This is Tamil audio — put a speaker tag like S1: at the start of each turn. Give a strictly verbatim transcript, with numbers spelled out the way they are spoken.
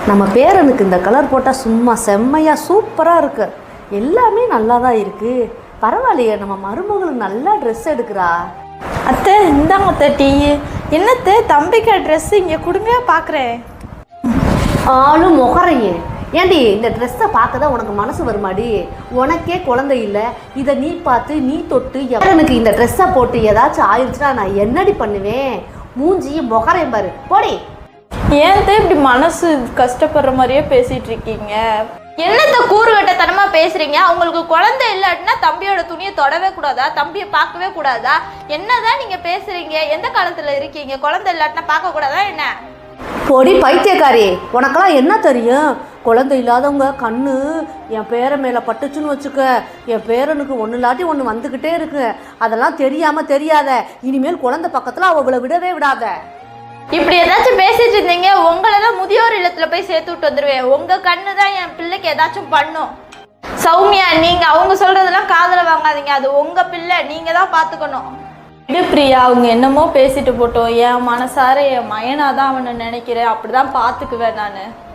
S1: நம்ம பேரனுக்கு இந்த கலர் போட்டால் சும்மா செம்மையாக சூப்பராக இருக்கு. எல்லாமே நல்லா தான் இருக்குது. பரவாயில்லையே, நம்ம மருமகளுக்கு நல்லா ட்ரெஸ் எடுக்கிறா.
S2: அத்தை இந்தாங்க அத்தை டீ. என்னத்தை தம்பிக்கு ட்ரெஸ் இங்கே கொடுங்க பார்க்குறேன்.
S1: ஆளும் முகரையே ஏண்டி இந்த ட்ரெஸ்ஸை பார்க்க தான் உனக்கு மனசு வருமாடி? உனக்கே குழந்தை இல்லை, இதை நீ பார்த்து நீ தொட்டு எனக்கு இந்த ட்ரெஸ்ஸை போட்டு ஏதாச்சும் ஆயிடுச்சுன்னா நான் என்னடி பண்ணுவேன்? மூஞ்சியும் முகரையும் பாரு போடி.
S2: ஏன் இப்படி மனசு கஷ்டப்படுற மாதிரியே பேசிட்டு இருக்கீங்க?
S3: என்னத்த கூறுகட்டத்தனமா பேசுறீங்க? அவங்களுக்கு குழந்தை இல்லாட்டினா தம்பியோட துணியை தொடவே கூடாதா? தம்பியை பார்க்கவே கூடாதா? என்னதான் நீங்க பேசுறீங்க? எந்த காலத்துல இருக்கீங்க? குழந்தை இல்லாட்டினா பார்க்க கூடாதா என்ன?
S1: பொடி பைத்தியக்காரி, உனக்கெல்லாம் என்ன தெரியும்? குழந்தை இல்லாதவங்க கண்ணு என் பேரை மேலே பட்டுச்சுன்னு வச்சுக்க, என் பேரனுக்கு ஒன்று இல்லாட்டி ஒன்று வந்துக்கிட்டே இருக்கு. அதெல்லாம் தெரியாமல் தெரியாத. இனிமேல் குழந்தை பக்கத்தில் அவளை விடவே விடாத.
S3: இப்படி ஏதாச்சும் பேசிட்டு இருந்தீங்க, உங்களை தான் முதியோர் இல்லத்துல போய் சேர்த்து விட்டு வந்துடுவேன். உங்க கண்ணு தான் என் பிள்ளைக்கு ஏதாச்சும் பண்ணும். சௌமியா, நீங்க அவங்க சொல்றதெல்லாம் காதுல வாங்காதீங்க. அது உங்க பிள்ளை, நீங்க தான் பாத்துக்கணும்.
S2: இது பிரியா, அவங்க என்னமோ பேசிட்டு போட்டோம். என் மனசார என் மயனாதான் அவனை நினைக்கிறேன். அப்படிதான் பாத்துக்குவேன் நான்.